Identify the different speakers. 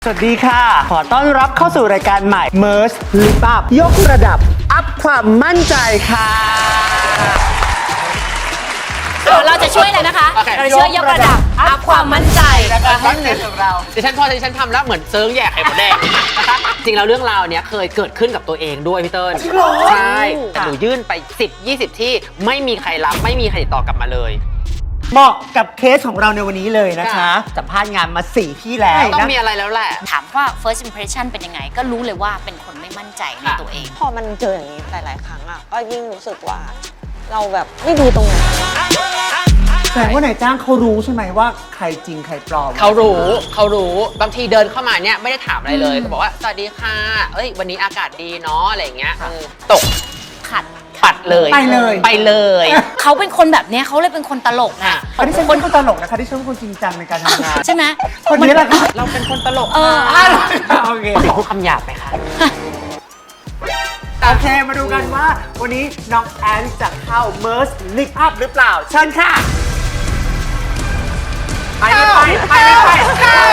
Speaker 1: สวัสดีค่ะ ขอต้อนรับเข้าสู่รายการใหม่ Merge Lip Up ยกระดับ อัพความมั่นใจค่ะ
Speaker 2: เราจะช่วยอะไรนะคะเราช่วยยกระดับอัพความมั่นใจ
Speaker 1: นะคะมั่นใจของเรา
Speaker 3: ดิฉันทำแล้วเหมือนเซิร์งแย่ไข่มดแดงนะคะจริงแล้วเรื่องราวเนี้ยเคยเกิดขึ้นกับตัวเองด้วยพี่เติ้ลใช่แต่หนูยื่นไป10-20 ที่ไม่มีใครรับไม่มีใครติดต่อกลับมาเลย
Speaker 1: เหมาะกับเคสของเราในวันนี้เลยนะคะสัมภาษณ์งานมา4ที่แล้ว
Speaker 3: ต้อง
Speaker 1: นะ
Speaker 3: มีอะไรแล้วแหละ
Speaker 2: ถามว่า first impression เป็นยังไง ก็รู้เลยว่าเป็นคนไม่มั่นใจในตัวเอง
Speaker 4: พอมันเจออย่างนี้หลาย ๆ ครั้งอ่ะก็ยิ่งรู้สึกว่าเราแบบไม่ดูตรงไหน
Speaker 1: แสดงว่านายจ้างเขารู้ใช่ไหมว่าใครจริงใครปลอม
Speaker 3: เขารู้บางทีเดินเข้ามาเนี่ยไม่ได้ถามอะไรเลยเขาบอกว่าสวัสดีค่ะเอ้ยวันนี้อากาศดีเนาะอะไรอย่างเงี้ยตก
Speaker 2: ขัด
Speaker 3: ปัดเลย
Speaker 1: ไปเลย
Speaker 3: ไปเลย
Speaker 2: เขาเป็นคนแบบเนี้ยเขาเลยเป็นคนตลกนะ
Speaker 1: อันนี้ฉันเป็นคนตลกนะคะที่ฉันเป็นคนจริงจังในการทำงาน
Speaker 2: ใช่ไหม
Speaker 1: คนนี้แหละค่ะ
Speaker 3: เราเป็นคนตลก
Speaker 1: โอเค
Speaker 3: ติดพูดคำหยาบไหมคะ
Speaker 1: โอเค มาดูกันว่าวันนี้น้องแอนจะเข้า Merge Lip Up หรือเปล่า เชิญค่ะ ไปเลยไป